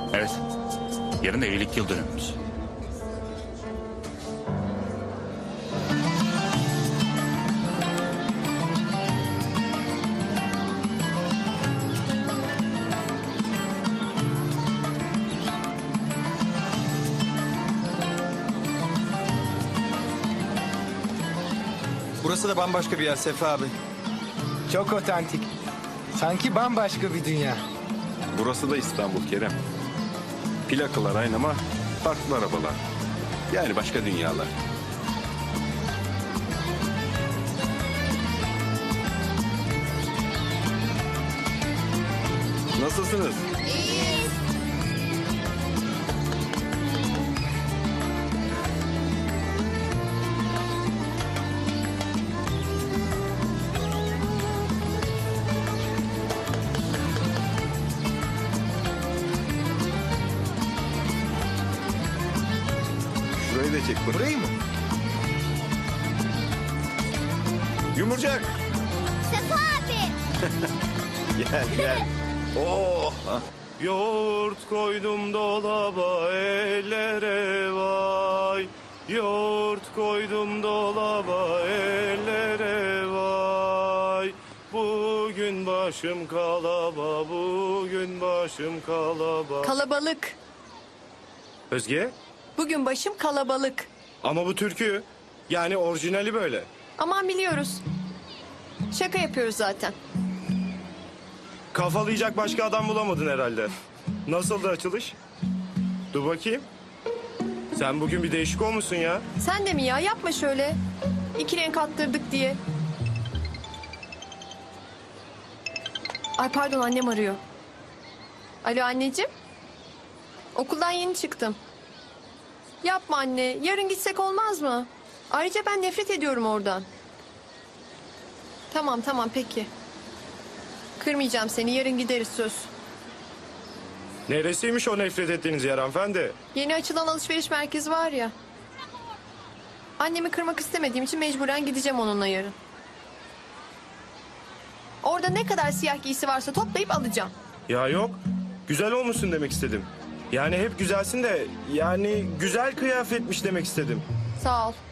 Evet. Yarın evlilik yıl dönümümüz. Burası da bambaşka bir yer Sefa abi. Çok otantik. Sanki bambaşka bir dünya. Burası da İstanbul Kerem. Plakalar aynı ama farklı arabalar. Yani başka dünyalar. Nasılsınız? Şurayı da çek bak. Burayı mı? Yumurcak. Sefa abi. Gel gel. Oh. Yoğurt koydum dolaba ellere vay. Yoğurt koydum dolaba ellere vay. Bugün başım kalaba, bugün başım kalaba. Kalabalık. Özge? Bugün başım kalabalık. Ama bu türkü. Yani orijinali böyle. Aman biliyoruz. Şaka yapıyoruz zaten. Kafalayacak başka adam bulamadın herhalde. Nasıldı açılış? Dur bakayım. Sen bugün bir değişik olmuşsun ya. Sen de mi ya? Yapma şöyle. 2 renk attırdık diye. Ay pardon, annem arıyor. Alo anneciğim. Okuldan yeni çıktım. Yapma anne. Yarın gitsek olmaz mı? Ayrıca ben nefret ediyorum oradan. Tamam tamam peki. Kırmayacağım seni. Yarın gideriz söz. Neresiymiş o nefret ettiğiniz yer hanımefendi? Yeni açılan alışveriş merkezi var ya. Annemi kırmak istemediğim için mecburen gideceğim onunla yarın. Orada ne kadar siyah giysi varsa toplayıp alacağım. Ya yok. Güzel olmuşsun demek istedim. Yani hep güzelsin de yani güzel kıyafetmiş demek istedim. Sağ ol.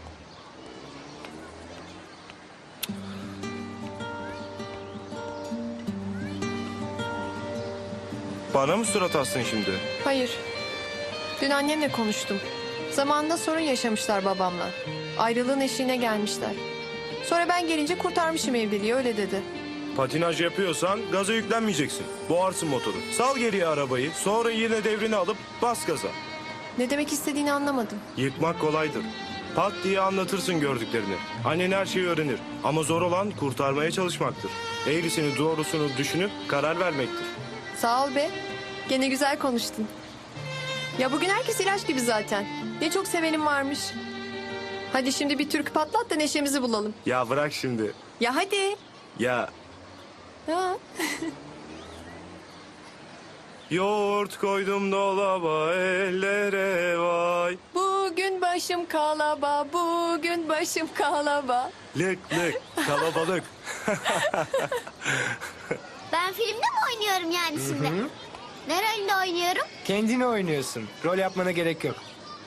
Bana mı surat astın şimdi? Hayır. Dün annemle konuştum. Zamanında sorun yaşamışlar babamla. Ayrılığın eşiğine gelmişler. Sonra ben gelince kurtarmışım evliliği, öyle dedi. Patinaj yapıyorsan gaza yüklenmeyeceksin. Boğarsın motoru. Sal geriye arabayı, sonra yine devrini alıp bas gaza. Ne demek istediğini anlamadım. Yıkmak kolaydır. Pat diye anlatırsın gördüklerini. Annen her şeyi öğrenir. Ama zor olan kurtarmaya çalışmaktır. Eğrisini doğrusunu düşünüp karar vermektir. Sağ ol be. Gene güzel konuştun. Ya bugün herkes ilaç gibi zaten. Ne çok sevenim varmış. Hadi şimdi bir türkü patlat da neşemizi bulalım. Ya bırak şimdi. Ya hadi. Ya Ha. yoğurt koydum dolaba ellere vay. Bugün başım kalaba, bugün başım kalaba. Lık lık kalabalık. Ben filmde mi oynuyorum yani şimdi? Ne rolünde oynuyorum? Kendini oynuyorsun. Rol yapmana gerek yok.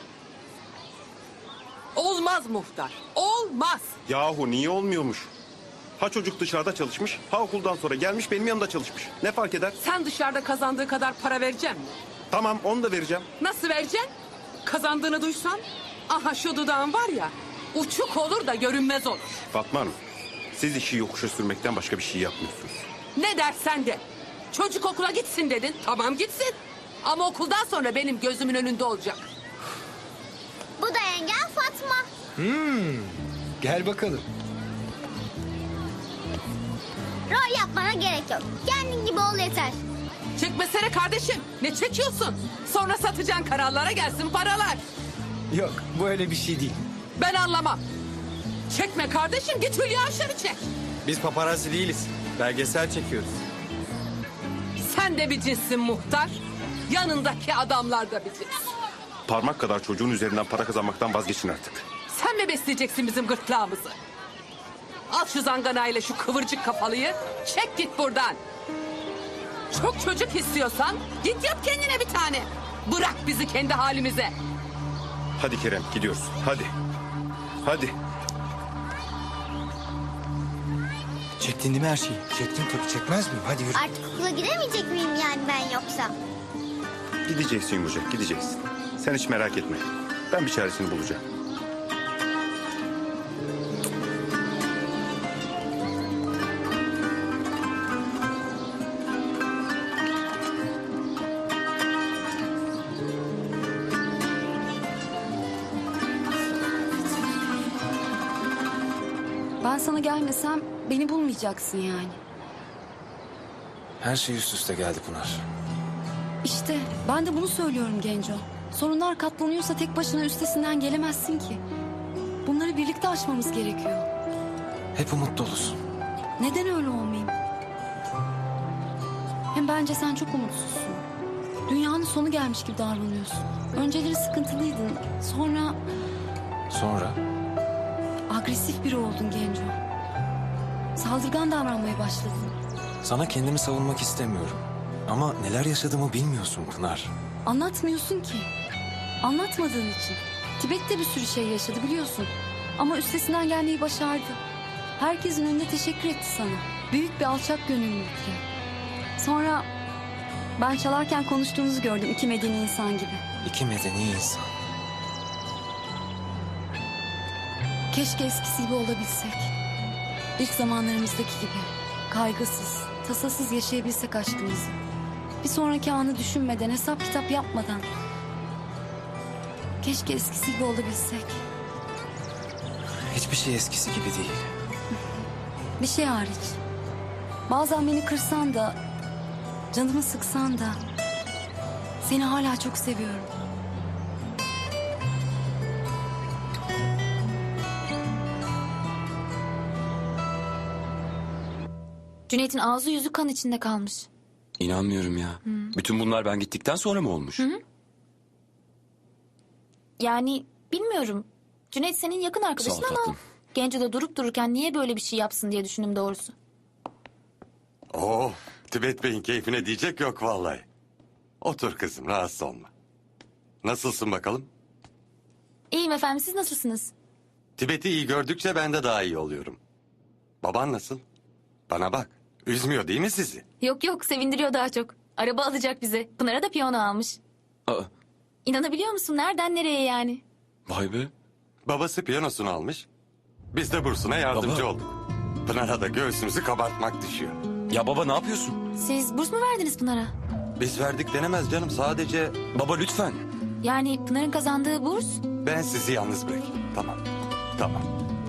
Olmaz muhtar. Olmaz. Yahu niye olmuyormuş? Ha çocuk dışarıda çalışmış, ha okuldan sonra gelmiş benim yanımda çalışmış. Ne fark eder? Sen dışarıda kazandığı kadar para vereceksin mi? Tamam onu da vereceğim. Nasıl vereceksin? Kazandığını duysan, aha şu dudağın var ya, uçuk olur da görünmez olur. Fatma Hanım, siz işi yokuşa sürmekten başka bir şey yapmıyorsunuz. Ne dersen de. Çocuk okula gitsin dedin, tamam gitsin. Ama okuldan sonra benim gözümün önünde olacak. Bu da yengem Fatma. Gel bakalım. Rol yapmana gerek yok. Kendin gibi ol yeter. Çekmesene kardeşim, ne çekiyorsun? Sonra satacaksın kanallara gelsin paralar. Yok, bu öyle bir şey değil. Ben anlamam. Çekme kardeşim, git Hülya Avşar'ı çek. Biz paparazzi değiliz. Belgesel çekiyoruz. Sen de bir cinssin muhtar. Yanındaki adamlar da bir cins. Parmak kadar çocuğun üzerinden para kazanmaktan vazgeçin artık. Sen mi besleyeceksin bizim gırtlağımızı? Al şu zanganayla şu kıvırcık kafalıyı. Çek git buradan. Çok çocuk istiyorsan git yap kendine bir tane. Bırak bizi kendi halimize. Hadi Kerem gidiyoruz. Hadi. Hadi. Çektin değil mi her şeyi? Çektim tabii, çekmez miyim? Hadi yürü. Artık okula gidemeyecek miyim yani ben yoksa? Gideceksin yumuşak gideceksin. Sen hiç merak etme. Ben bir çaresini bulacağım. Ben sana gelmesem beni bulmayacaksın yani. Her şey üst üste geldi Pınar. İşte ben de bunu söylüyorum Genco. Sorunlar katlanıyorsa tek başına üstesinden gelemezsin ki. Bunları birlikte aşmamız gerekiyor. Hep umut dolusun. Neden öyle olmayayım? Hem bence sen çok umutsuzsun. Dünyanın sonu gelmiş gibi davranıyorsun. Önceleri sıkıntılıydın. Sonra Sonra agresif biri oldun Genco. Saldırgan davranmaya başladın. sana kendimi savunmak istemiyorum. Ama neler yaşadığımı bilmiyorsun Pınar. Anlatmıyorsun ki. Anlatmadığın için. Tibet'te bir sürü şey yaşadı biliyorsun. Ama üstesinden gelmeyi başardı. Herkesin önünde teşekkür etti sana. Büyük bir alçak gönüllülükle. Sonra ben çalarken konuştuğunuzu gördüm iki medeni insan gibi. İki medeni insan. Keşke eskisi gibi olabilsek. İlk zamanlarımızdaki gibi. Kaygısız, tasasız yaşayabilsek aşkımızı. Bir sonraki anı düşünmeden, hesap kitap yapmadan. Keşke eskisi gibi olabilsek. Hiçbir şey eskisi gibi değil. Bir şey hariç. Bazen beni kırsan da, canımı sıksan da... ...seni hala çok seviyorum. Cüneyt'in ağzı yüzü kan içinde kalmış. İnanmıyorum ya. Bütün bunlar ben gittikten sonra mı olmuş? Yani bilmiyorum. Cüneyt senin yakın arkadaşın Sağ ol ama... tatlım. Genco da durup dururken niye böyle bir şey yapsın diye düşündüm doğrusu. Oh, Tibet Bey'in keyfine diyecek yok vallahi. Otur kızım, rahatsız olma. Nasılsın bakalım? İyiyim efendim, siz nasılsınız? Tibet'i iyi gördükçe ben de daha iyi oluyorum. Baban nasıl? Bana bak, üzmüyor değil mi sizi? Yok yok, sevindiriyor daha çok. Araba alacak bize. Pınar'a da piyano almış. Aa, İnanabiliyor musun? Nereden nereye yani? vay be. Babası piyanosunu almış. Biz de bursuna yardımcı Baba. olduk. Pınar'a da göğsümüzü kabartmak düşüyor. Ya baba ne yapıyorsun? Siz burs mu verdiniz Pınar'a? Biz verdik denemez canım, sadece Baba lütfen. Yani Pınar'ın kazandığı burs? ben sizi yalnız bırakayım. Tamam, tamam.